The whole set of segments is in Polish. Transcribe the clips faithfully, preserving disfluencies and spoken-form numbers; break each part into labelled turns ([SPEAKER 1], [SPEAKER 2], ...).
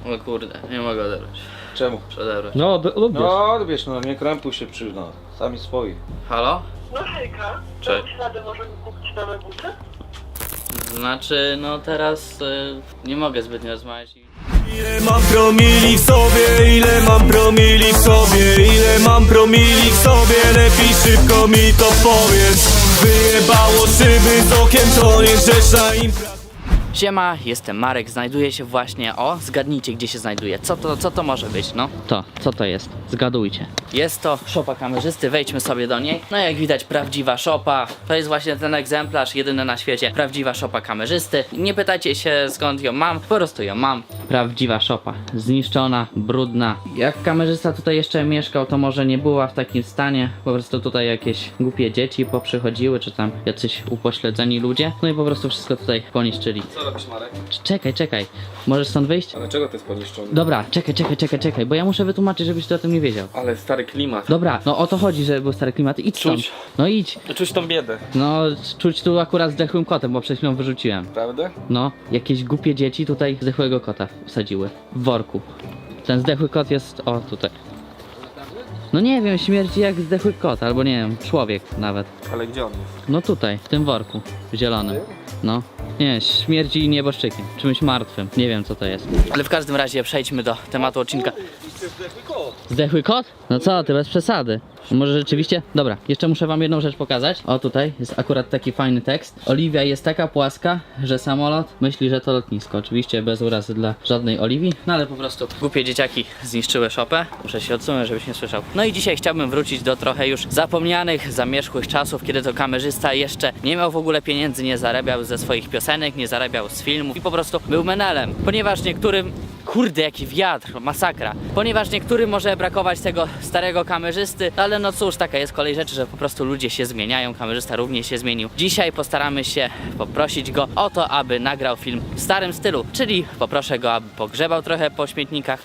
[SPEAKER 1] O kurde, nie mogę odebrać.
[SPEAKER 2] Czemu?
[SPEAKER 1] Muszę odebrać.
[SPEAKER 3] No, od, odbierz.
[SPEAKER 2] No odbierz, no nie krępuj się przy, no. Sami swoi.
[SPEAKER 1] Halo?
[SPEAKER 4] No hejka,
[SPEAKER 1] Cześć.
[SPEAKER 4] czy radę możemy kupić nowe buty?
[SPEAKER 1] Znaczy, no teraz y, nie mogę zbytnio rozmawiać i...
[SPEAKER 5] Ile mam promili w sobie, ile mam promili w sobie, ile mam promili w sobie, lepiej szybko mi to powiedz. Wyjebało szyby z okiem, to nie grzeszna impra.
[SPEAKER 1] Siema, jestem Marek, znajduję się właśnie, o, zgadnijcie gdzie się znajduję, co to, co to może być, no? To, co to jest? Zgadujcie. Jest to szopa kamerzysty, wejdźmy sobie do niej. No jak widać prawdziwa szopa, to jest właśnie ten egzemplarz, jedyny na świecie, prawdziwa szopa kamerzysty. Nie pytajcie się skąd ją mam, po prostu ją mam. Prawdziwa szopa, zniszczona, brudna. Jak kamerzysta tutaj jeszcze mieszkał, to może nie była w takim stanie, po prostu tutaj jakieś głupie dzieci poprzychodziły, czy tam jacyś upośledzeni ludzie, no i po prostu wszystko tutaj poniszczyli.
[SPEAKER 2] Co robisz, Marek?
[SPEAKER 1] Czekaj, czekaj. Możesz stąd wyjść?
[SPEAKER 2] Ale czego to jest poniszczony?
[SPEAKER 1] Dobra, czekaj, czekaj, czekaj, czekaj, bo ja muszę wytłumaczyć, żebyś ty o tym nie wiedział.
[SPEAKER 3] Ale stary klimat.
[SPEAKER 1] Dobra, no o to chodzi, że był stary klimat. Idź stąd.
[SPEAKER 3] Czuć.
[SPEAKER 1] No idź.
[SPEAKER 3] Czuć tą biedę.
[SPEAKER 1] No, czuć tu akurat zdechłym kotem, bo przed chwilą wyrzuciłem.
[SPEAKER 3] Prawda?
[SPEAKER 1] No, jakieś głupie dzieci tutaj zdechłego kota wsadziły. W worku. Ten zdechły kot jest, o, tutaj. No nie wiem, śmierdzi jak zdechły kot, albo nie wiem, człowiek nawet.
[SPEAKER 3] Ale gdzie on jest?
[SPEAKER 1] No tutaj, w tym worku, zielonym. No. Nie, śmierdzi nieboszczykiem, czymś martwym. Nie wiem co to jest. Ale w każdym razie przejdźmy do tematu odcinka. Zdechły kot? No co ty, bez przesady. Może rzeczywiście? Dobra, jeszcze muszę wam jedną rzecz pokazać. O tutaj jest akurat taki fajny tekst. Oliwia jest taka płaska, że samolot myśli, że to lotnisko. Oczywiście bez urazy dla żadnej Oliwii, no ale po prostu głupie dzieciaki zniszczyły szopę. Muszę się odsunąć, żebyś nie słyszał. No i dzisiaj chciałbym wrócić do trochę już zapomnianych, zamierzchłych czasów, kiedy to kamerzysta jeszcze nie miał w ogóle pieniędzy, nie zarabiał ze swoich piosenek, nie zarabiał z filmów i po prostu był menelem. Ponieważ niektórym... Kurde, jaki wiatr, masakra. Ponieważ niektórym może brakować tego starego kamerzysty, ale no cóż, taka jest kolej rzeczy, że po prostu ludzie się zmieniają, kamerzysta również się zmienił. Dzisiaj postaramy się poprosić go o to, aby nagrał film w starym stylu, czyli poproszę go, aby pogrzebał trochę po śmietnikach.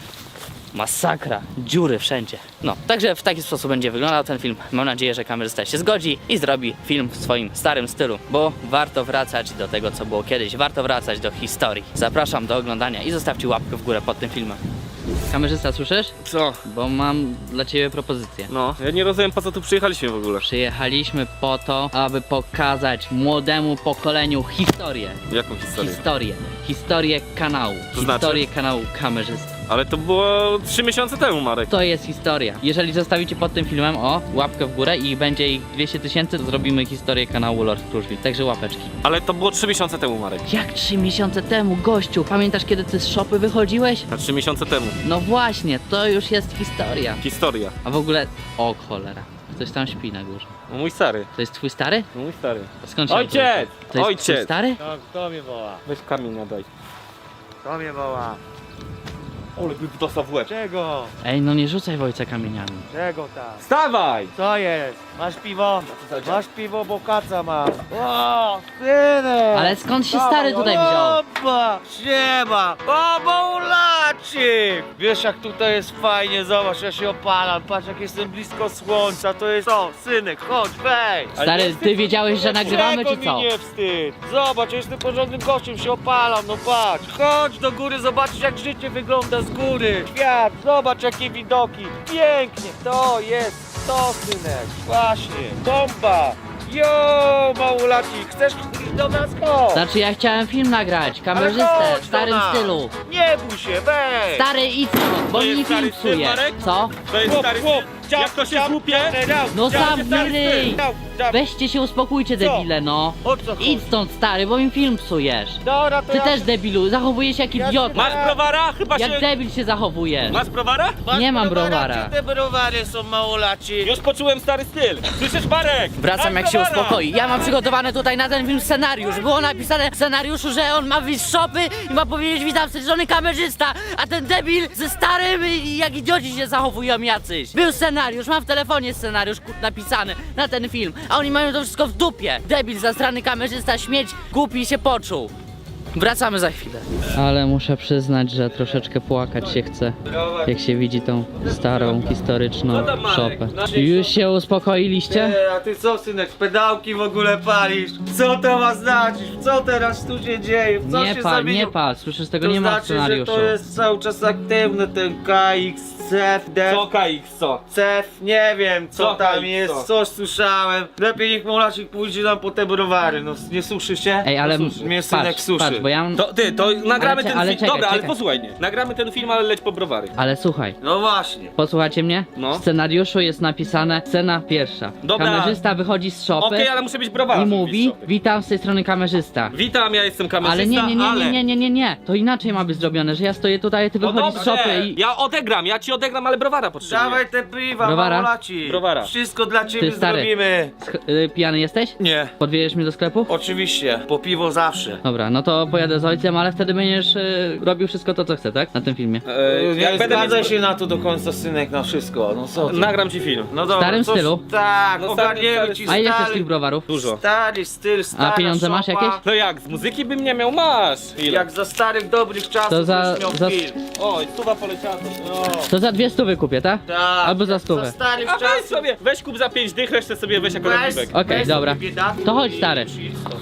[SPEAKER 1] Masakra, dziury wszędzie. No, także w taki sposób będzie wyglądał ten film. Mam nadzieję, że kamerzysta się zgodzi i zrobi film w swoim starym stylu, bo warto wracać do tego, co było kiedyś, warto wracać do historii. Zapraszam do oglądania i zostawcie łapkę w górę pod tym filmem. Kamerzysta, słyszysz?
[SPEAKER 3] Co?
[SPEAKER 1] Bo mam dla ciebie propozycję.
[SPEAKER 3] No, ja nie rozumiem po co tu przyjechaliśmy w ogóle.
[SPEAKER 1] Przyjechaliśmy po to, aby pokazać młodemu pokoleniu historię.
[SPEAKER 3] Jaką historię?
[SPEAKER 1] Historię. Historię kanału.
[SPEAKER 3] To znaczy?
[SPEAKER 1] Historię kanału kamerzysty.
[SPEAKER 3] Ale to było trzy miesiące temu, Marek.
[SPEAKER 1] To jest historia. Jeżeli zostawicie pod tym filmem, o, łapkę w górę i będzie ich dwieście tysięcy, to zrobimy historię kanału Lord Kruszwil. Także łapeczki.
[SPEAKER 3] Ale to było trzy miesiące temu, Marek.
[SPEAKER 1] Jak trzy miesiące temu, gościu? Pamiętasz, kiedy ty z szopy wychodziłeś?
[SPEAKER 3] A trzy miesiące temu.
[SPEAKER 1] No właśnie, to już jest historia.
[SPEAKER 3] Historia.
[SPEAKER 1] A w ogóle... O cholera. Ktoś tam śpi na górze.
[SPEAKER 3] No mój stary.
[SPEAKER 1] To jest twój stary?
[SPEAKER 3] No mój stary.
[SPEAKER 1] A skąd się
[SPEAKER 3] Ojciec!
[SPEAKER 1] autorytet? To jest
[SPEAKER 3] Ojciec!
[SPEAKER 1] twój stary?
[SPEAKER 6] No, kto mnie woła?
[SPEAKER 3] Weź kamień nadaj.
[SPEAKER 6] Kto mnie woła?
[SPEAKER 3] Ole, by dostał w łeb.
[SPEAKER 6] Czego?
[SPEAKER 1] Ej, no nie rzucaj w ojca kamieniami.
[SPEAKER 6] Czego tam?
[SPEAKER 3] Wstawaj!
[SPEAKER 6] Co jest? Masz piwo? Masz piwo, bo kaca mam. O, synek!
[SPEAKER 1] Ale skąd się stary tutaj wziął?
[SPEAKER 6] Oba, siema! O, Maulaczyk! Wiesz jak tutaj jest fajnie, zobacz, ja się opalam, patrz jak jestem blisko słońca, to jest co? Synek, chodź, wejdź!
[SPEAKER 1] Stary, ty wiedziałeś, że nagrywamy,
[SPEAKER 6] Czego
[SPEAKER 1] czy co?
[SPEAKER 6] mi nie wstyd? Zobacz, ja jestem porządnym gościem, się opalam, no patrz! Chodź do góry, zobaczysz jak życie wygląda z góry! Świat, zobacz jakie widoki! Pięknie, to jest to, synek! Właśnie, bomba! Jo, Małolacik, chcesz iść do nas? Chodź!
[SPEAKER 1] Znaczy ja chciałem film nagrać, kamerzystę,
[SPEAKER 6] Ale
[SPEAKER 1] w
[SPEAKER 6] chodź do
[SPEAKER 1] starym
[SPEAKER 6] nas.
[SPEAKER 1] stylu.
[SPEAKER 6] Nie bój się, weź!
[SPEAKER 1] Stary, idź stąd, bo
[SPEAKER 3] To
[SPEAKER 1] mi
[SPEAKER 3] jest
[SPEAKER 1] film
[SPEAKER 3] stary styl,
[SPEAKER 1] psuje.
[SPEAKER 3] Marek?
[SPEAKER 1] Co?
[SPEAKER 3] To jest stary
[SPEAKER 6] Chłop,
[SPEAKER 3] styl. Jak to się złupie?
[SPEAKER 1] No zamknij ryj!
[SPEAKER 6] Weź!
[SPEAKER 1] Weźcie się, uspokójcie, debile, no.
[SPEAKER 6] O co chodzi?
[SPEAKER 1] Idź stąd, stary, bo mi film psujesz.
[SPEAKER 6] Dobra, to
[SPEAKER 1] Ty
[SPEAKER 6] ja...
[SPEAKER 1] też, debilu, zachowujesz się jak
[SPEAKER 6] Ja
[SPEAKER 1] idiota.
[SPEAKER 3] Masz browara? Chyba
[SPEAKER 1] Jak
[SPEAKER 3] się...
[SPEAKER 1] debil się zachowujesz.
[SPEAKER 3] Masz browara?
[SPEAKER 6] Masz
[SPEAKER 1] Nie mam
[SPEAKER 6] browara,
[SPEAKER 1] browara.
[SPEAKER 6] Gdzie te browary są, Małolaci?
[SPEAKER 3] Już poczułem stary styl. Słyszysz, Marek?
[SPEAKER 1] Wracam
[SPEAKER 3] Masz
[SPEAKER 1] jak się
[SPEAKER 3] browara!
[SPEAKER 1] uspokoi. Ja mam przygotowany tutaj na ten film scenariusz. Było napisane w scenariuszu, że on ma wyjść z szopy i ma powiedzieć witam żony kamerzysta, a ten debil ze starym i jak idioci się zachowują jacyś. Był scenariusz, mam w telefonie scenariusz kur- napisany na ten film, a oni mają to wszystko w dupie. Debil, zastrany kamerzysta, śmieć, głupi się poczuł. Wracamy za chwilę. Ale muszę przyznać, że troszeczkę płakać się chce, jak się widzi tą starą, historyczną
[SPEAKER 6] Co tam, Marek?
[SPEAKER 1] szopę.
[SPEAKER 6] Znaczy-
[SPEAKER 1] Już się uspokoiliście?
[SPEAKER 6] E, a ty co, synek, pedałki w ogóle palisz? Co to ma znaczyć? Co teraz tu się dzieje? Co
[SPEAKER 1] Nie
[SPEAKER 6] się
[SPEAKER 1] pal,
[SPEAKER 6] zamieniło?
[SPEAKER 1] nie pal, słyszysz, tego
[SPEAKER 6] To
[SPEAKER 1] nie ma w
[SPEAKER 6] znaczy, że
[SPEAKER 1] scenariuszu.
[SPEAKER 6] to jest cały czas aktywny ten K X, C F, D,
[SPEAKER 3] Co K X, co?
[SPEAKER 6] C F, nie wiem co,
[SPEAKER 3] Co
[SPEAKER 6] tam
[SPEAKER 3] K X,
[SPEAKER 6] jest,
[SPEAKER 3] co?
[SPEAKER 6] coś słyszałem. Lepiej niech Molaczek pójdzie nam po te browary, no nie suszy się?
[SPEAKER 1] Ej, ale
[SPEAKER 6] No, suszy. Mnie synek
[SPEAKER 1] patrz,
[SPEAKER 6] suszy.
[SPEAKER 1] patrz, bo ja mam...
[SPEAKER 3] To ty, to nagramy
[SPEAKER 1] Ale cze-
[SPEAKER 3] ten
[SPEAKER 1] ale
[SPEAKER 3] film.
[SPEAKER 1] czekaj,
[SPEAKER 3] Dobra, ale
[SPEAKER 1] czekaj.
[SPEAKER 3] posłuchaj mnie. Nagramy ten film, ale leć po browary.
[SPEAKER 1] Ale słuchaj,
[SPEAKER 6] No właśnie.
[SPEAKER 1] posłuchajcie mnie?
[SPEAKER 3] No.
[SPEAKER 1] W scenariuszu jest napisane scena pierwsza.
[SPEAKER 3] Dobra.
[SPEAKER 1] Kamerzysta wychodzi z szopy
[SPEAKER 3] Okej, ale muszę być browary.
[SPEAKER 1] i mówi, witam z tej strony kamerzysta.
[SPEAKER 3] Witam, ja jestem kamerzysta,
[SPEAKER 1] Ale nie, nie, nie,
[SPEAKER 3] ale...
[SPEAKER 1] nie, nie, nie, nie, nie, to inaczej ma być zrobione, że ja stoję tutaj, a ty
[SPEAKER 3] No
[SPEAKER 1] wychodzisz z
[SPEAKER 3] dobrze,
[SPEAKER 1] szopy i...
[SPEAKER 3] ja odegram, ja ci odegram, ale browara potrzebuję.
[SPEAKER 6] Dawaj te piwa,
[SPEAKER 1] Browara?
[SPEAKER 6] Molaci.
[SPEAKER 3] Browara.
[SPEAKER 6] Wszystko dla ciebie
[SPEAKER 1] Ty, stary.
[SPEAKER 6] zrobimy.
[SPEAKER 1] Sch- y, pijany jesteś?
[SPEAKER 6] Nie.
[SPEAKER 1] Podwieziesz mnie do sklepu?
[SPEAKER 6] Oczywiście, po piwo zawsze.
[SPEAKER 1] Dobra, no to pojadę z ojcem, ale wtedy będziesz y, robił wszystko to, co chcę, tak? Na tym filmie.
[SPEAKER 3] E,
[SPEAKER 6] Nie
[SPEAKER 3] jak będę
[SPEAKER 6] zgadzaj
[SPEAKER 3] mieć...
[SPEAKER 6] się na to do końca, synek, na wszystko. No co ty?
[SPEAKER 3] Nagram ci film.
[SPEAKER 6] No dobra,
[SPEAKER 1] starym
[SPEAKER 6] coś-
[SPEAKER 1] stylu?
[SPEAKER 6] Tak,
[SPEAKER 3] No
[SPEAKER 6] ogarniemy
[SPEAKER 3] stary,
[SPEAKER 6] ci
[SPEAKER 1] A ile chcesz
[SPEAKER 6] stary,
[SPEAKER 1] tych browarów?
[SPEAKER 3] Dużo.
[SPEAKER 6] stary styl, stara
[SPEAKER 1] pieniądze masz
[SPEAKER 6] szopa.
[SPEAKER 1] jakieś?
[SPEAKER 3] No jak, z muzyki bym nie miał, masz. Ile?
[SPEAKER 6] Jak za starych, dobrych czasów
[SPEAKER 1] To za-
[SPEAKER 6] byś miał
[SPEAKER 1] za-
[SPEAKER 6] film.
[SPEAKER 3] Oj, stuwa poleciała.
[SPEAKER 6] No,
[SPEAKER 1] To za dwie stówy kupię, tak?
[SPEAKER 6] tak.
[SPEAKER 1] Albo za
[SPEAKER 6] Za
[SPEAKER 1] stówę.
[SPEAKER 6] starych
[SPEAKER 3] A weź
[SPEAKER 6] czasów.
[SPEAKER 3] sobie, weź kup za pięć dych, resztę sobie weź jako
[SPEAKER 6] Weź-
[SPEAKER 3] napiwek.
[SPEAKER 1] Okej,
[SPEAKER 6] weź
[SPEAKER 1] dobra.
[SPEAKER 6] sobie biedaku
[SPEAKER 1] To chodź,
[SPEAKER 6] i
[SPEAKER 1] stary.
[SPEAKER 6] idź stąd.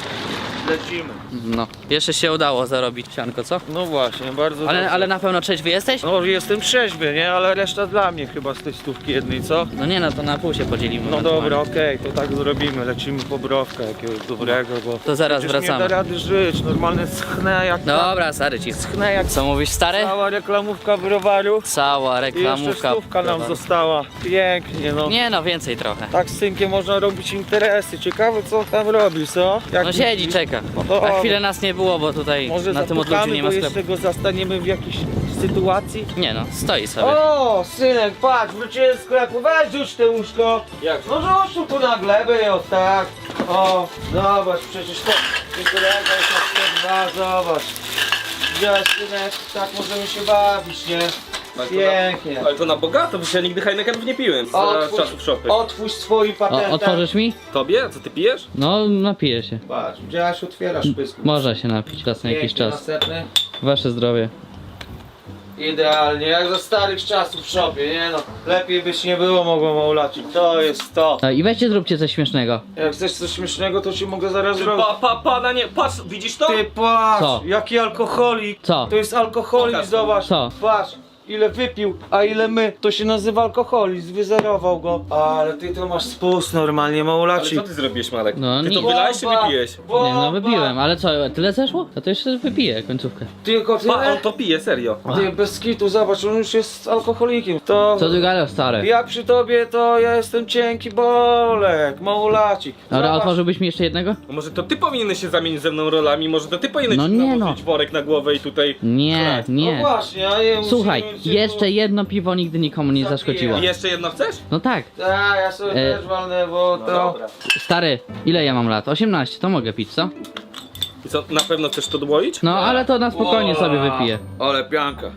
[SPEAKER 6] Lecimy.
[SPEAKER 1] No, jeszcze się udało zarobić sianko, co?
[SPEAKER 6] No właśnie, bardzo
[SPEAKER 1] Ale,
[SPEAKER 6] dobrze.
[SPEAKER 1] ale na pewno trzeźwy jesteś?
[SPEAKER 6] No jestem trzeźwy, nie? Ale reszta dla mnie chyba z tej stówki jednej, co?
[SPEAKER 1] No nie, no to na pół się podzielimy.
[SPEAKER 6] No
[SPEAKER 1] ewentualnie.
[SPEAKER 6] dobra, okej, to tak zrobimy. Lecimy po browkę jakiegoś dobrego, bo...
[SPEAKER 1] To zaraz
[SPEAKER 6] przecież nie
[SPEAKER 1] wracamy.
[SPEAKER 6] da rady żyć, normalne schnę jak...
[SPEAKER 1] Dobra, stary, ci.
[SPEAKER 6] Schnę jak...
[SPEAKER 1] Co mówisz, stary?
[SPEAKER 6] Cała reklamówka browaru.
[SPEAKER 1] Cała
[SPEAKER 6] I jeszcze
[SPEAKER 1] reklamówka.
[SPEAKER 6] stówka nam została. Pięknie, no.
[SPEAKER 1] Nie no, więcej trochę.
[SPEAKER 6] Tak z synkiem można robić interesy. Ciekawe co tam robi, co? Jak
[SPEAKER 1] No siedzi,
[SPEAKER 6] myślisz?
[SPEAKER 1] czeka.
[SPEAKER 6] No to
[SPEAKER 1] Na
[SPEAKER 6] o,
[SPEAKER 1] chwilę nas nie było, bo tutaj
[SPEAKER 6] Może
[SPEAKER 1] na tym odludziu
[SPEAKER 6] zapukamy,
[SPEAKER 1] nie
[SPEAKER 6] bo
[SPEAKER 1] ma sklepu.
[SPEAKER 6] jeszcze go zastaniemy w jakiejś sytuacji.
[SPEAKER 1] Nie no, stoi sobie.
[SPEAKER 6] O, synek, patrz, wróciłem z sklepu, weź rzuć te łóżko.
[SPEAKER 3] Jak?
[SPEAKER 6] No rzuć tu, tu na glebę, o tak. O, zobacz, przecież to Nikolego jest na dwa, zobacz. Widziałeś, synek, tak możemy się bawić, nie? Pięknie.
[SPEAKER 3] Ale to na bogato, bo ja nigdy Heinekenów nie piłem z
[SPEAKER 6] Otwórz-
[SPEAKER 3] czasów szopy.
[SPEAKER 6] Otwórz swój
[SPEAKER 1] O,
[SPEAKER 6] patent.
[SPEAKER 1] otworzysz mi?
[SPEAKER 3] Tobie? Co ty pijesz?
[SPEAKER 1] No, napiję się.
[SPEAKER 6] Patrz, widziałeś, otwierasz pysku.
[SPEAKER 1] Można się napić raz na jakiś
[SPEAKER 6] Pięknie,
[SPEAKER 1] czas.
[SPEAKER 6] następny.
[SPEAKER 1] Wasze zdrowie.
[SPEAKER 6] Idealnie, jak za starych czasów w szopie, nie no. Lepiej byś nie było mogło Maulaci. To jest to.
[SPEAKER 1] A, I weźcie zróbcie coś śmiesznego.
[SPEAKER 6] Jak chcesz coś śmiesznego, to ci mogę zaraz
[SPEAKER 3] Ty,
[SPEAKER 6] zrobić.
[SPEAKER 3] pa, pa, pana nie, patrz, widzisz to?
[SPEAKER 6] Ty patrz,
[SPEAKER 1] Co?
[SPEAKER 6] jaki alkoholik.
[SPEAKER 1] Co?
[SPEAKER 6] To jest alkoholizm,
[SPEAKER 3] Pokaż.
[SPEAKER 6] zobacz.
[SPEAKER 1] Co?
[SPEAKER 6] Patrz, ile wypił, a ile my. To się nazywa alkoholizm, wyzerował go. Ale ty to masz spust normalnie,
[SPEAKER 3] Ale
[SPEAKER 6] Maulaci.
[SPEAKER 3] co ty zrobiłeś, Malek?
[SPEAKER 1] No
[SPEAKER 3] ty to
[SPEAKER 1] nic.
[SPEAKER 3] wylałeś czy
[SPEAKER 6] Bomba,
[SPEAKER 3] wypijesz?
[SPEAKER 6] bomba.
[SPEAKER 1] Nie no, wypiłem, ale co, tyle zeszło? No to jeszcze wypiję końcówkę.
[SPEAKER 6] Tylko
[SPEAKER 3] Pa, on
[SPEAKER 6] tyle?
[SPEAKER 3] to pije, serio.
[SPEAKER 6] Ty bez kitu, zobacz, on już jest alkoholikiem. To...
[SPEAKER 1] Co ty gadasz, stary?
[SPEAKER 6] Ja przy tobie to ja jestem cienki bolek, Maulacik.
[SPEAKER 1] Dobra,
[SPEAKER 6] Zobacz.
[SPEAKER 1] otworzyłbyś mi jeszcze jednego?
[SPEAKER 3] No może to ty powinieneś się zamienić ze mną rolami, może to ty powinieneś
[SPEAKER 1] No nie
[SPEAKER 3] nałożyć worek na głowę i tutaj...
[SPEAKER 1] Nie,
[SPEAKER 3] Chleb.
[SPEAKER 6] No
[SPEAKER 1] nie.
[SPEAKER 6] właśnie, a nie
[SPEAKER 1] Słuchaj,
[SPEAKER 6] musimy się
[SPEAKER 1] jeszcze
[SPEAKER 6] tu-
[SPEAKER 1] jedno piwo nigdy nikomu nie
[SPEAKER 6] Zapiję.
[SPEAKER 1] zaszkodziło.
[SPEAKER 3] I jeszcze jedno chcesz?
[SPEAKER 1] No tak.
[SPEAKER 6] Tak, ja sobie
[SPEAKER 1] E,
[SPEAKER 6] też walnę, bo
[SPEAKER 3] No
[SPEAKER 6] to...
[SPEAKER 3] dobra.
[SPEAKER 1] Stary, ile ja mam lat? osiemnaście, to mogę pić, co?
[SPEAKER 3] I co, na pewno chcesz to dłoić?
[SPEAKER 1] No ale to na spokojnie sobie wypiję.
[SPEAKER 6] Ale pianka.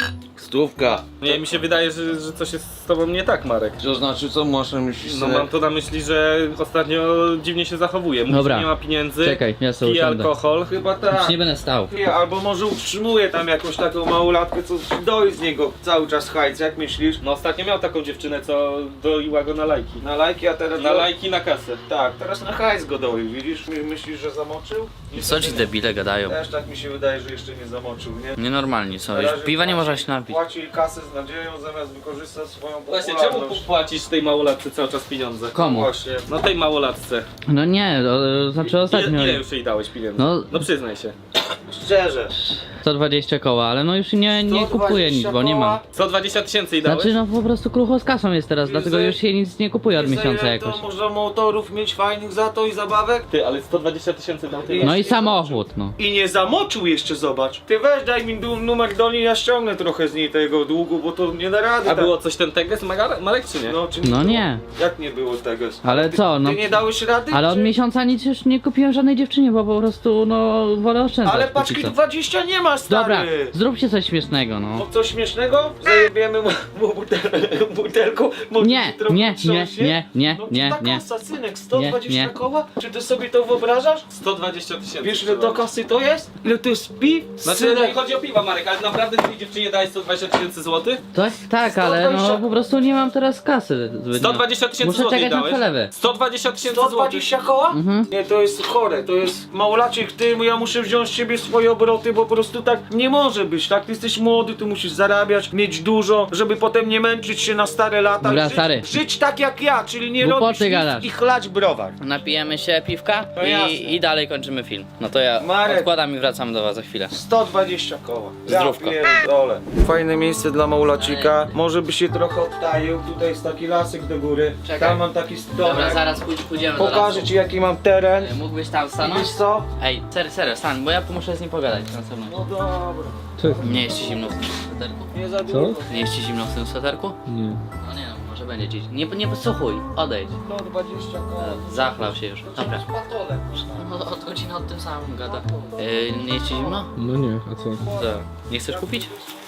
[SPEAKER 6] Stówka.
[SPEAKER 3] Nie, mi się wydaje, że, że coś jest z tobą nie tak, Marek.
[SPEAKER 6] To znaczy, co masz na myśli?
[SPEAKER 3] No mam to na myśli, że ostatnio dziwnie się zachowuje. Mówi,
[SPEAKER 1] Dobra.
[SPEAKER 3] że nie ma pieniędzy,
[SPEAKER 1] Czekaj, ja sobie
[SPEAKER 3] pije
[SPEAKER 1] usiądę.
[SPEAKER 3] alkohol.
[SPEAKER 6] Chyba
[SPEAKER 1] Już
[SPEAKER 6] tak.
[SPEAKER 1] nie będę stał.
[SPEAKER 6] Albo może utrzymuje tam jakąś taką małolatkę, co doi z niego cały czas hajc, jak myślisz?
[SPEAKER 3] No ostatnio miał taką dziewczynę, co doiła go na lajki.
[SPEAKER 6] Na lajki, a teraz...
[SPEAKER 3] Na lajki, na kasę.
[SPEAKER 6] Tak, teraz na hajs go doi, widzisz? My- Myślisz, że zamoczył?
[SPEAKER 1] Co ci debile gadają?
[SPEAKER 6] Też tak mi się wydaje, że jeszcze nie zamoczył, nie?
[SPEAKER 1] Nienormalni są,
[SPEAKER 6] Na
[SPEAKER 1] już
[SPEAKER 6] razie
[SPEAKER 1] piwa nie
[SPEAKER 6] płaci-
[SPEAKER 1] można się napić.
[SPEAKER 6] Płaci kasę z nadzieją, zamiast wykorzystać swoją
[SPEAKER 3] Właśnie, czemu
[SPEAKER 6] popularność.
[SPEAKER 3] płacisz tej małolatce cały czas pieniądze?
[SPEAKER 1] Komu?
[SPEAKER 6] Właśnie.
[SPEAKER 3] No tej małolatce.
[SPEAKER 1] No nie, o, znaczy ostatnio
[SPEAKER 3] Ile, ile już jej dałeś pieniędzy?
[SPEAKER 1] No-
[SPEAKER 3] no przyznaj się.
[SPEAKER 6] Szczerze.
[SPEAKER 1] sto dwadzieścia koła, ale no już nie, nie kupuję nic, bo nie mam.
[SPEAKER 3] sto dwadzieścia tysięcy jej dałeś?
[SPEAKER 1] Znaczy no po prostu krucho z kasą jest teraz,
[SPEAKER 6] I
[SPEAKER 1] dlatego
[SPEAKER 6] za-
[SPEAKER 1] już się nic nie kupuje od
[SPEAKER 6] I za
[SPEAKER 1] miesiąca
[SPEAKER 6] ile
[SPEAKER 1] jakoś.
[SPEAKER 6] To można motorów mieć fajnych za to i zabawek?
[SPEAKER 3] Ty, ale sto dwadzieścia tysięcy dał ty.
[SPEAKER 1] No i samochód, no.
[SPEAKER 6] I nie zamoczył jeszcze, zobacz. Ty weź, daj mi du- numer do niej, ja ściągnę trochę z niej tego długu, bo to nie da rady.
[SPEAKER 3] A
[SPEAKER 6] tak.
[SPEAKER 3] było coś ten teges, Magar- Marek, czy nie?
[SPEAKER 6] No, czy
[SPEAKER 1] No
[SPEAKER 6] było?
[SPEAKER 1] nie.
[SPEAKER 6] Jak nie było tego?
[SPEAKER 1] Ale
[SPEAKER 6] ty,
[SPEAKER 1] co, no.
[SPEAKER 6] Ty nie dałeś rady?
[SPEAKER 1] Ale od
[SPEAKER 6] czy-
[SPEAKER 1] miesiąca nic już nie kupiłem żadnej dziewczynie, bo po prostu no wolę oszczędzać.
[SPEAKER 6] Ale
[SPEAKER 1] póki
[SPEAKER 6] paczki
[SPEAKER 1] co.
[SPEAKER 6] dwadzieścia nie masz stary.
[SPEAKER 1] Dobra, zróbcie coś śmiesznego, no.
[SPEAKER 6] No coś śmiesznego? Zajebiemy mu, mu butel, butelką, może
[SPEAKER 1] Nie,
[SPEAKER 6] trochę
[SPEAKER 1] nie, nie,
[SPEAKER 6] trząśnie?
[SPEAKER 1] nie, nie,
[SPEAKER 6] No
[SPEAKER 1] nie,
[SPEAKER 6] to
[SPEAKER 1] nie.
[SPEAKER 6] kasa, synek, sto dwadzieścia
[SPEAKER 1] Nie, nie.
[SPEAKER 6] koła? Czy ty sobie to wyobrażasz?
[SPEAKER 3] sto dwadzieścia tysięcy.
[SPEAKER 6] Wiesz ile do kasy to jest? Ile to jest piw?
[SPEAKER 3] Znaczy, nie
[SPEAKER 6] Synek,
[SPEAKER 3] chodzi o piwa, Marek, ale naprawdę tej dziewczynie dałeś sto dwadzieścia tysięcy złotych?
[SPEAKER 1] Tak, tak, ale no
[SPEAKER 6] dwadzieścia
[SPEAKER 1] po prostu nie mam teraz kasy. zbytnio.
[SPEAKER 3] sto dwadzieścia tysięcy
[SPEAKER 1] Muszę
[SPEAKER 3] złotych
[SPEAKER 1] czekać na
[SPEAKER 3] dałeś?
[SPEAKER 1] przelewy.
[SPEAKER 3] sto dwadzieścia tysięcy
[SPEAKER 6] sto
[SPEAKER 3] złotych.
[SPEAKER 6] dwadzieścia koła?
[SPEAKER 1] Mhm.
[SPEAKER 6] Nie, to jest chore, to jest małolaczek, ty, ja muszę wziąć z ciebie swoje obroty, bo po prostu tak nie może być, tak? Ty jesteś młody, tu musisz zarabiać, mieć dużo, żeby potem nie męczyć się na stare lata.
[SPEAKER 1] Dobra,
[SPEAKER 6] żyć,
[SPEAKER 1] stary.
[SPEAKER 6] żyć tak jak ja, czyli nie
[SPEAKER 1] Głupoty
[SPEAKER 6] robić nic
[SPEAKER 1] gadasz.
[SPEAKER 6] i chlać browar.
[SPEAKER 1] Napijemy się piwka
[SPEAKER 6] No jasne.
[SPEAKER 1] i, i dalej kończymy film. No to ja
[SPEAKER 6] Marek.
[SPEAKER 1] odkładam i wracam do was za chwilę.
[SPEAKER 6] sto dwadzieścia koła.
[SPEAKER 1] Zdrówko.
[SPEAKER 6] pierdolę. Fajne miejsce dla małolacika. Może by się trochę odtaił. Tutaj jest taki lasek do góry.
[SPEAKER 1] Czekaj.
[SPEAKER 6] Tam mam taki
[SPEAKER 1] Dobra,
[SPEAKER 6] stołek.
[SPEAKER 1] zaraz pój- pójdziemy do
[SPEAKER 6] Pokażę
[SPEAKER 1] lasu.
[SPEAKER 6] ci jaki mam teren.
[SPEAKER 1] Mógłbyś tam stanąć?
[SPEAKER 6] Wiesz co?
[SPEAKER 1] Ej, serio, serio, stań, bo ja muszę z nim pogadać na pewno.
[SPEAKER 6] No dobra.
[SPEAKER 1] Nie jest ci zimno w tym sweterku?
[SPEAKER 6] Nie za dużo.
[SPEAKER 1] Nie jest ci zimno w tym sweterku?
[SPEAKER 7] Nie.
[SPEAKER 1] No nie no, może będzie dziś. Nie, nie podsłuchuj, odejdź.
[SPEAKER 6] sto dwadzieścia koła.
[SPEAKER 1] Zachlał się już. Dobra.
[SPEAKER 6] Patole.
[SPEAKER 1] No od godziny od tym samym gada. Yy, nie jest ci zimno?
[SPEAKER 7] No nie, a co?
[SPEAKER 1] Co? Nie chcesz kupić?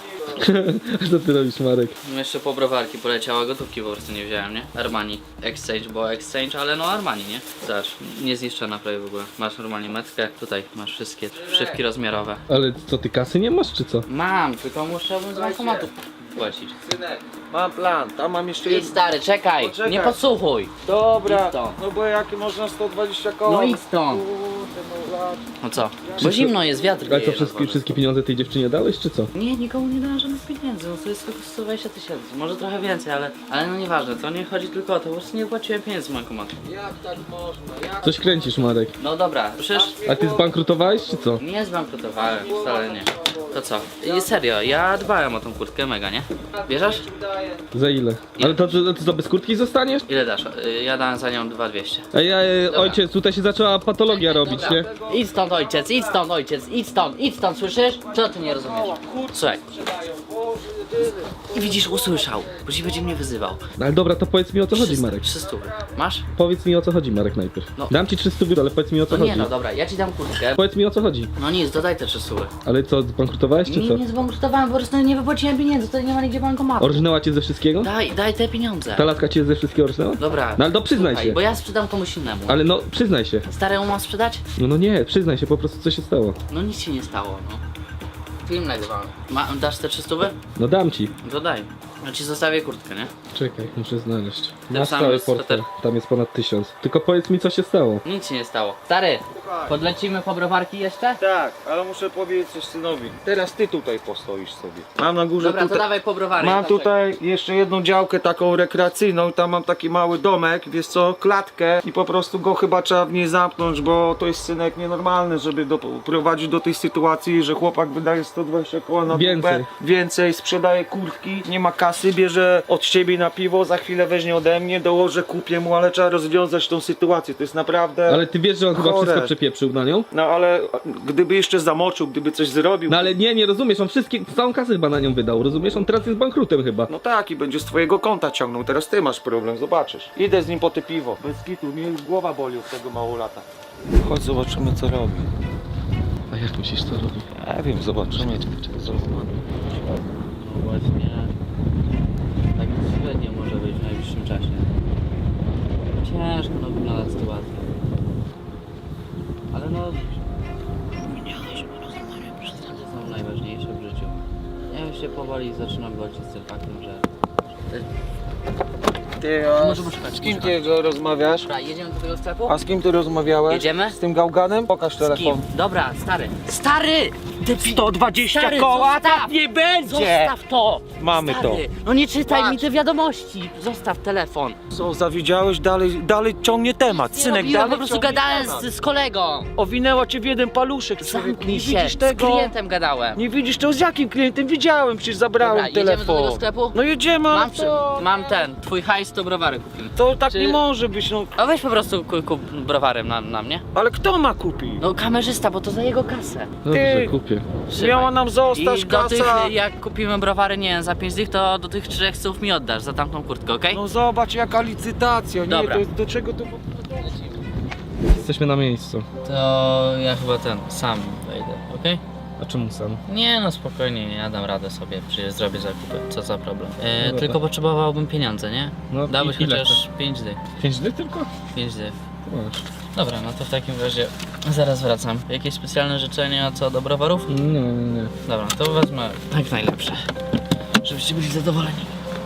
[SPEAKER 7] Co ty robisz, Marek?
[SPEAKER 1] No jeszcze po browarki poleciała, gotówki po prostu nie wziąłem, nie? Armani. Exchange, bo exchange, ale no Armani, nie? Zobacz, niezniszczona prawie w ogóle. Masz normalnie metkę, tutaj masz wszystkie wszywki rozmiarowe.
[SPEAKER 7] Ale co, ty kasy nie masz, czy co?
[SPEAKER 1] Mam, tylko muszę z bankomatu płacić.
[SPEAKER 6] Synek, mam plan. Tam mam jeszcze
[SPEAKER 1] Idź
[SPEAKER 6] jedno.
[SPEAKER 1] stary, czekaj,
[SPEAKER 6] Poczekaj.
[SPEAKER 1] nie podsłuchuj.
[SPEAKER 6] Dobra.
[SPEAKER 1] Idź stąd.
[SPEAKER 6] No bo jakie można sto dwadzieścia koła?
[SPEAKER 1] No idź stąd.
[SPEAKER 6] Kurde, małolacik.
[SPEAKER 1] No co? Bo zimno jest, wiatr
[SPEAKER 7] Ale co,
[SPEAKER 1] wieje na
[SPEAKER 7] wszystkie,
[SPEAKER 1] dworze.
[SPEAKER 7] wszystkie pieniądze tej dziewczynie dałeś, czy co?
[SPEAKER 1] Nie, nikomu nie dałem żadnych pieniędzy, no to jest tylko sto dwadzieścia tysięcy, może trochę więcej, ale, ale no nieważne, to nie chodzi tylko o to, po prostu nie płaciłem pieniędzy z bankomatu.
[SPEAKER 6] Jak tak można? Jak?
[SPEAKER 7] Coś kręcisz, Marek.
[SPEAKER 1] No dobra, przecież
[SPEAKER 7] A ty zbankrutowałeś, czy co?
[SPEAKER 1] nie zbankrutowałem, wcale nie. To co? I serio, ja dbałem o tą kurtkę mega, nie? Bierzesz?
[SPEAKER 7] Za ile? Ale to, to, to co, bez kurtki zostaniesz?
[SPEAKER 1] Ile dasz? Y, Ja dałem za nią dwa dwieście.
[SPEAKER 7] Ej, ej, ojciec, tutaj się zaczęła patologia robić, nie?
[SPEAKER 1] Idź stąd ojciec, idź stąd ojciec, idź stąd, idź stąd, słyszysz? Co ty nie rozumiesz? Słuchaj. I widzisz, usłyszał, bo ci będzie mnie wyzywał.
[SPEAKER 7] No ale dobra, to powiedz mi o co chodzi, Marek.
[SPEAKER 1] trzysta Masz?
[SPEAKER 7] Powiedz mi o co chodzi, Marek, najpierw.
[SPEAKER 1] No.
[SPEAKER 7] Dam ci trzysta biur, ale powiedz mi o co
[SPEAKER 1] No nie
[SPEAKER 7] chodzi.
[SPEAKER 1] no, dobra, ja ci dam kurtkę.
[SPEAKER 7] Powiedz mi o co chodzi.
[SPEAKER 1] No nic, dodaj te trzysta.
[SPEAKER 7] Ale co, zbankrutowałeś, czy
[SPEAKER 1] Nie,
[SPEAKER 7] co?
[SPEAKER 1] nie zbankrutowałem, po prostu nie wypłaciłem pieniędzy, to nie ma nigdzie bankomatu.
[SPEAKER 7] Orżnęła cię ze wszystkiego?
[SPEAKER 1] Daj, daj te pieniądze.
[SPEAKER 7] Ta laska cię ze wszystkiego orżnęła?
[SPEAKER 1] Dobra.
[SPEAKER 7] No ale to przyznaj
[SPEAKER 1] słuchaj,
[SPEAKER 7] się.
[SPEAKER 1] bo ja sprzedam komuś innemu.
[SPEAKER 7] Ale no, przyznaj się.
[SPEAKER 1] Staremu mam sprzedać?
[SPEAKER 7] No no nie, przyznaj się po prostu co się stało.
[SPEAKER 1] No nic się nie stało, no. Film nagrywamy. Ma, dasz te trzysta?
[SPEAKER 7] No dam ci.
[SPEAKER 1] To daj. Ja ci zostawię kurtkę, nie?
[SPEAKER 7] Czekaj, muszę znaleźć.
[SPEAKER 1] Ten
[SPEAKER 7] Masz
[SPEAKER 1] sam
[SPEAKER 7] cały
[SPEAKER 1] jest
[SPEAKER 7] portfel,
[SPEAKER 1] sweter.
[SPEAKER 7] tam jest ponad tysiąc. Tylko powiedz mi co się stało.
[SPEAKER 1] Nic się nie stało. Stary, podlecimy po browarki jeszcze?
[SPEAKER 6] Tak, ale muszę powiedzieć coś synowi. Teraz ty tutaj postoisz sobie. Mam na górze
[SPEAKER 1] Dobra, to
[SPEAKER 6] tutaj.
[SPEAKER 1] dawaj po browary.
[SPEAKER 6] Mam
[SPEAKER 1] ja tam
[SPEAKER 6] tutaj jeszcze jedną działkę taką rekreacyjną, tam mam taki mały domek, wiesz co, klatkę i po prostu go chyba trzeba w niej zamknąć, bo to jest synek nienormalny, żeby doprowadzić do tej sytuacji, że chłopak wydaje sto dwadzieścia koła na
[SPEAKER 7] Więcej.
[SPEAKER 6] dupę, więcej, sprzedaje kurtki, nie ma kasy, bierze od ciebie na piwo, za chwilę weźmie ode mnie, dołożę, kupię mu, ale trzeba rozwiązać tą sytuację, to jest naprawdę...
[SPEAKER 7] Ale ty wiesz, że on chyba
[SPEAKER 6] Chore.
[SPEAKER 7] wszystko przepieprzył na nią?
[SPEAKER 6] No ale gdyby jeszcze zamoczył, gdyby coś zrobił...
[SPEAKER 7] No ale nie, nie rozumiesz, on wszystkie, całą kasę chyba na nią wydał, rozumiesz? On teraz jest bankrutem chyba.
[SPEAKER 6] No tak, i będzie z twojego konta ciągnął, teraz ty masz problem, zobaczysz. Idę z nim po te piwo. Bez kitu, mnie już głowa boli od tego mało lata. Chodź, zobaczymy co robi.
[SPEAKER 7] A jak myślisz, co robi?
[SPEAKER 6] Ja wiem, zobaczymy.
[SPEAKER 1] No właśnie, tak średnio może być w najbliższym czasie. Ciężko no wygląda sytuacja. Ale no... Minęliśmy rozumienie przestępstwa są najważniejsze w życiu. Ja już się powoli zaczynam godzić z tym faktem, że...
[SPEAKER 6] Ty, a
[SPEAKER 1] Może poczekać,
[SPEAKER 6] z kim
[SPEAKER 1] poczekać.
[SPEAKER 6] ty go rozmawiasz?
[SPEAKER 1] Dobra, jedziemy do tego sklepu?
[SPEAKER 6] A z kim ty rozmawiałeś?
[SPEAKER 1] Jedziemy?
[SPEAKER 6] Z tym gałganem? Pokaż
[SPEAKER 1] Z kim?
[SPEAKER 6] telefon.
[SPEAKER 1] Dobra, stary. Stary! Debil.
[SPEAKER 6] sto dwadzieścia
[SPEAKER 1] Stary,
[SPEAKER 6] koła,
[SPEAKER 1] zostaw!
[SPEAKER 6] tak nie będzie!
[SPEAKER 1] Zostaw to!
[SPEAKER 6] Mamy
[SPEAKER 1] Stary,
[SPEAKER 6] to.
[SPEAKER 1] no nie czytaj
[SPEAKER 6] Patrz.
[SPEAKER 1] mi te wiadomości. Zostaw telefon.
[SPEAKER 6] Co, zawiedziałeś? Dalej, dalej ciągnie temat.
[SPEAKER 1] Nie
[SPEAKER 6] Synek,
[SPEAKER 1] robiłem,
[SPEAKER 6] dalej
[SPEAKER 1] po prostu
[SPEAKER 6] ciągnie
[SPEAKER 1] gadałem
[SPEAKER 6] temat.
[SPEAKER 1] z, z kolegą.
[SPEAKER 6] Owinęła cię w jeden paluszek, człowieku.
[SPEAKER 1] Zamknij
[SPEAKER 6] Nie
[SPEAKER 1] się.
[SPEAKER 6] widzisz
[SPEAKER 1] Z
[SPEAKER 6] tego?
[SPEAKER 1] klientem gadałem.
[SPEAKER 6] Nie widzisz to z jakim klientem? Widziałem, przecież zabrałem
[SPEAKER 1] Dobra, jedziemy
[SPEAKER 6] telefon.
[SPEAKER 1] do tego sklepu?
[SPEAKER 6] No jedziemy, ale
[SPEAKER 1] Mam, przy,
[SPEAKER 6] to...
[SPEAKER 1] mam ten, twój hajs to browary kupimy.
[SPEAKER 6] To tak
[SPEAKER 1] Czy-
[SPEAKER 6] nie może być, no.
[SPEAKER 1] A weź po prostu kup, kup browarem na, na mnie.
[SPEAKER 6] Ale kto ma kupić?
[SPEAKER 1] No kamerzysta, bo to za jego kasę.
[SPEAKER 7] Dobrze,
[SPEAKER 6] Ty-
[SPEAKER 7] kupię.
[SPEAKER 1] Trzymaj.
[SPEAKER 6] Miała nam zostać
[SPEAKER 1] I do tych,
[SPEAKER 6] kasa.
[SPEAKER 1] jak kupimy browary, nie wiem, za pięć dych, to do tych trzech słów mi oddasz za tamtą kurtkę, okej?
[SPEAKER 6] No zobacz jaka licytacja, nie?
[SPEAKER 1] Dobra.
[SPEAKER 6] To jest, do czego to...
[SPEAKER 7] Jesteśmy na miejscu.
[SPEAKER 1] To ja chyba ten, sam wejdę, okej?
[SPEAKER 3] A czemu sam?
[SPEAKER 1] Nie no, spokojnie, nie, ja dam radę sobie, przecież zrobię zakupy, co za problem. E,
[SPEAKER 3] dobra.
[SPEAKER 1] tylko potrzebowałbym pieniądze, nie?
[SPEAKER 3] No,
[SPEAKER 1] Dałbyś
[SPEAKER 3] i ile
[SPEAKER 1] chociaż pięć dych.
[SPEAKER 3] Pięć dni tylko?
[SPEAKER 1] pięć dych.
[SPEAKER 3] Masz.
[SPEAKER 1] Dobra, no to w takim razie zaraz wracam. Jakieś specjalne życzenia co do browarów?
[SPEAKER 3] Nie, nie, nie.
[SPEAKER 1] Dobra, to wezmę jak najlepsze, żebyście byli zadowoleni.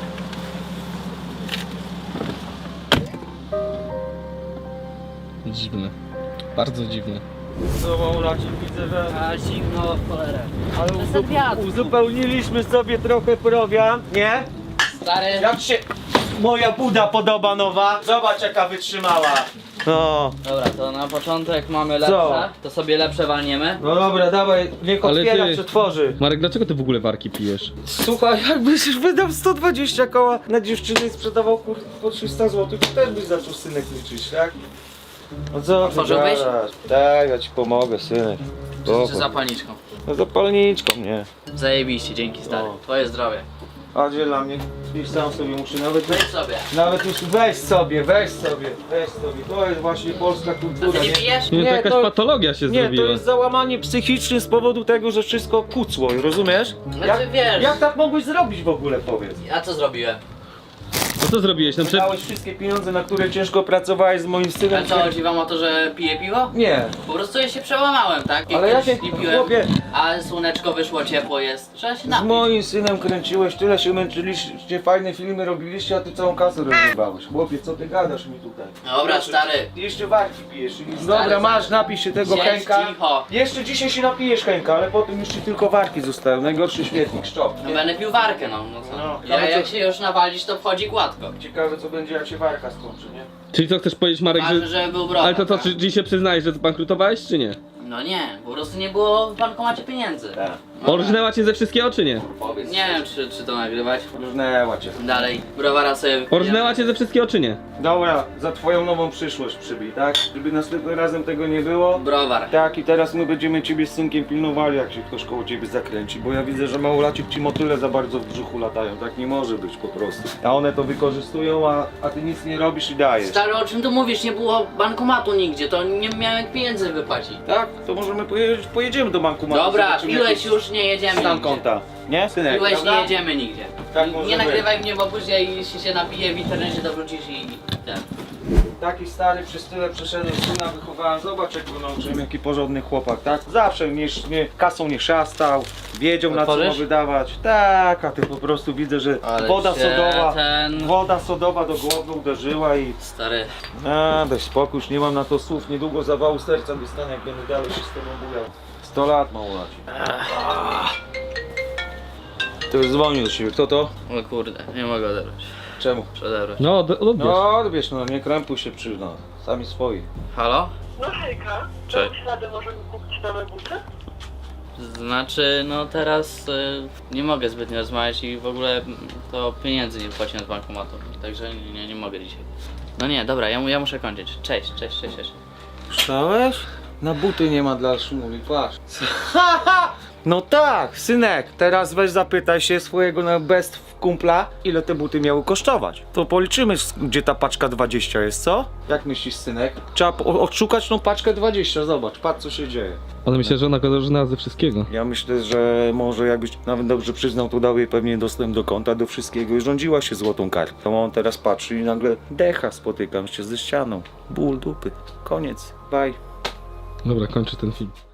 [SPEAKER 3] Dziwne. Bardzo dziwne.
[SPEAKER 6] No Maulacie, widzę, że...
[SPEAKER 1] A zimno w cholerę.
[SPEAKER 6] Ale
[SPEAKER 1] To jest ten wiatr.
[SPEAKER 6] uzupełniliśmy sobie trochę prowiant, nie?
[SPEAKER 1] Stary,
[SPEAKER 6] Jak się moja buda podoba nowa? Zobacz jaka wytrzymała. No.
[SPEAKER 1] dobra, to na początek mamy
[SPEAKER 6] Co?
[SPEAKER 1] lepsze, to sobie lepsze walniemy.
[SPEAKER 6] No dobra, dawaj, niech
[SPEAKER 7] Ale
[SPEAKER 6] otwiera,
[SPEAKER 7] ty-
[SPEAKER 6] przetworzy.
[SPEAKER 7] Marek, dlaczego ty w ogóle warki pijesz?
[SPEAKER 6] Słuchaj, jakbyś już wydał sto dwadzieścia koła na dziewczynę i sprzedawał kur... po trzysta złotych, to też byś zaczął synek liczyć, tak? No co?
[SPEAKER 1] Otworzyłbyś?
[SPEAKER 6] gadasz? Tak, ja ci pomogę, synek.
[SPEAKER 1] Czy
[SPEAKER 6] Spoko.
[SPEAKER 1] zapalniczką?
[SPEAKER 6] No zapalniczką, nie.
[SPEAKER 1] Zajebiście, dzięki stary.
[SPEAKER 6] O.
[SPEAKER 1] Twoje zdrowie.
[SPEAKER 6] A gdzie dla mnie? Gdzieś sam sobie muszę nawet...
[SPEAKER 1] Weź sobie.
[SPEAKER 6] Nawet już weź sobie, weź sobie, weź sobie. To jest właśnie polska
[SPEAKER 1] To
[SPEAKER 6] kultura,
[SPEAKER 1] ty nie
[SPEAKER 6] nie?
[SPEAKER 1] pijesz?
[SPEAKER 7] Nie,
[SPEAKER 6] Nie,
[SPEAKER 7] to jakaś
[SPEAKER 6] to-
[SPEAKER 7] patologia się
[SPEAKER 6] Nie, to
[SPEAKER 7] zrobiła.
[SPEAKER 6] jest załamanie psychiczne z powodu tego, że wszystko kucło, rozumiesz?
[SPEAKER 1] No
[SPEAKER 6] Jak,
[SPEAKER 1] ty wiesz.
[SPEAKER 6] jak tak mogłeś zrobić w ogóle, powiedz?
[SPEAKER 1] A co zrobiłem?
[SPEAKER 7] No co zrobiłeś? Na przykład...
[SPEAKER 6] Dałeś wszystkie pieniądze, na które ciężko pracowałeś z moim
[SPEAKER 1] A
[SPEAKER 6] synem.
[SPEAKER 1] co, chodzi wam o to, że piję piwo?
[SPEAKER 6] Nie,
[SPEAKER 1] Po prostu ja się przełamałem, tak? I
[SPEAKER 6] ale
[SPEAKER 1] kiedyś
[SPEAKER 6] jakie,
[SPEAKER 1] nie piłem,
[SPEAKER 6] chłopie,
[SPEAKER 1] a słoneczko wyszło, ciepło jest. Trzeba się
[SPEAKER 6] z
[SPEAKER 1] napić.
[SPEAKER 6] moim synem kręciłeś, tyle się męczyliście, fajne filmy robiliście, a ty całą kasę rozrywałeś. Chłopie, co ty gadasz mi tutaj?
[SPEAKER 1] Dobra, stary.
[SPEAKER 6] Jeszcze warki pijesz. Dobra,
[SPEAKER 1] stary.
[SPEAKER 6] masz, napij się tego
[SPEAKER 1] Siedź
[SPEAKER 6] Henka.
[SPEAKER 1] cicho.
[SPEAKER 6] Jeszcze dzisiaj się napijesz Henka, ale potem już ci tylko warki zostają. Najgorszy śmietnik, szczop.
[SPEAKER 1] No będę pił warkę, no. no co?
[SPEAKER 6] No,
[SPEAKER 1] ja,
[SPEAKER 6] ale
[SPEAKER 1] jak
[SPEAKER 6] co-
[SPEAKER 1] się już nawalisz, to wchodzi gładko.
[SPEAKER 6] Ciekawe co będzie jak się warka skończy, nie?
[SPEAKER 7] Czyli co chcesz powiedzieć, Marek,
[SPEAKER 1] Ważne,
[SPEAKER 7] że...
[SPEAKER 1] żeby był browar.
[SPEAKER 7] Ale to co,
[SPEAKER 1] tak?
[SPEAKER 7] czy dziś się przyznajesz, że zbankrutowałeś, czy nie?
[SPEAKER 1] No nie, po prostu nie było w bankomacie pieniędzy.
[SPEAKER 6] Tak.
[SPEAKER 1] No,
[SPEAKER 7] Orżnęła cię ze wszystkiego, czy nie?
[SPEAKER 6] Powiedz.
[SPEAKER 1] nie wiem, czy, czy to nagrywać.
[SPEAKER 6] Różnęła cię.
[SPEAKER 1] Dalej, browara sobie wypijemy.
[SPEAKER 7] Orżnęła cię ze wszystkiego, czy nie?
[SPEAKER 6] Dobra, za twoją nową przyszłość przybij, tak? Żeby następnym razem tego nie było.
[SPEAKER 1] Browar.
[SPEAKER 6] Tak, i teraz my będziemy ciebie z synkiem pilnowali, jak się ktoś koło ciebie zakręci, bo ja widzę, że małolacik ci motyle za bardzo w brzuchu latają, tak nie może być po prostu. A one to wykorzystują, a, a ty nic nie robisz i dajesz.
[SPEAKER 1] Stary, o czym tu mówisz? Nie było bankomatu nigdzie, to nie miałem jak pieniędzy wypłacić.
[SPEAKER 6] Tak? To możemy pojedzieć, pojedziemy do banku.
[SPEAKER 1] Dobra, piłeś już, nie jedziemy
[SPEAKER 6] Stan
[SPEAKER 1] nigdzie.
[SPEAKER 6] konta. Nie, synek?
[SPEAKER 1] Piłeś,
[SPEAKER 6] prawda?
[SPEAKER 1] nie jedziemy nigdzie.
[SPEAKER 6] Tak
[SPEAKER 1] nie
[SPEAKER 6] może
[SPEAKER 1] nie
[SPEAKER 6] być.
[SPEAKER 1] nagrywaj mnie, bo później jeśli się napiję w internecie, to wrócisz i ten.
[SPEAKER 6] Taki stary, przez tyle przeszedłem, syna wychowałem, zobacz jak go nauczyłem, jaki porządny chłopak, tak? Zawsze nie, nie, kasą nie szastał, wiedział na co ma
[SPEAKER 1] Otworzysz?
[SPEAKER 6] wydawać. Tak, a ty po prostu widzę, że
[SPEAKER 1] Ale
[SPEAKER 6] woda
[SPEAKER 1] się
[SPEAKER 6] sodowa,
[SPEAKER 1] ten-
[SPEAKER 6] woda sodowa do głowy uderzyła i...
[SPEAKER 1] Stary,
[SPEAKER 6] A, daj spokój, już nie mam na to słów, niedługo zawału serca dostanę, jak będę dalej się z tobą bujał. sto lat małolaci. To już dzwonił do siebie, kto to?
[SPEAKER 1] o kurde, nie mogę odebrać.
[SPEAKER 6] Czemu?
[SPEAKER 1] Przedebrać.
[SPEAKER 7] No, od- odbierz.
[SPEAKER 6] No, wiesz, no nie krępuj się przyzna, sami swoi.
[SPEAKER 1] Halo?
[SPEAKER 4] No hejka,
[SPEAKER 3] Cześć.
[SPEAKER 4] dałeś radę możemy kupić nowe buty?
[SPEAKER 1] Znaczy, no teraz y, nie mogę zbytnio rozmawiać i w ogóle mm, to pieniędzy nie wypłaciłem z bankomatu, także nie, nie, nie mogę dzisiaj. No nie, dobra, ja, mu- ja muszę kończyć. Cześć, cześć, cześć, cześć.
[SPEAKER 6] Słyszałeś? Na buty nie ma dla szumuli, patrz. No tak, synek, teraz weź zapytaj się swojego na best kumpla, ile te buty miały kosztować. To policzymy, s- gdzie ta paczka dwadzieścia jest, co? Jak myślisz, synek? Trzeba po- odszukać tą paczkę dwadzieścia, zobacz, patrz co się dzieje.
[SPEAKER 7] Ale myślę, że ona go orżnęła ze wszystkiego.
[SPEAKER 6] Ja myślę, że może jakbyś nawet dobrze przyznał, to dał jej pewnie dostęp do konta, do wszystkiego i rządziła się złotą kartą. On teraz patrzy i nagle decha, spotykam się ze ścianą. Ból dupy. Koniec. Bye.
[SPEAKER 7] Dobra, kończę ten film.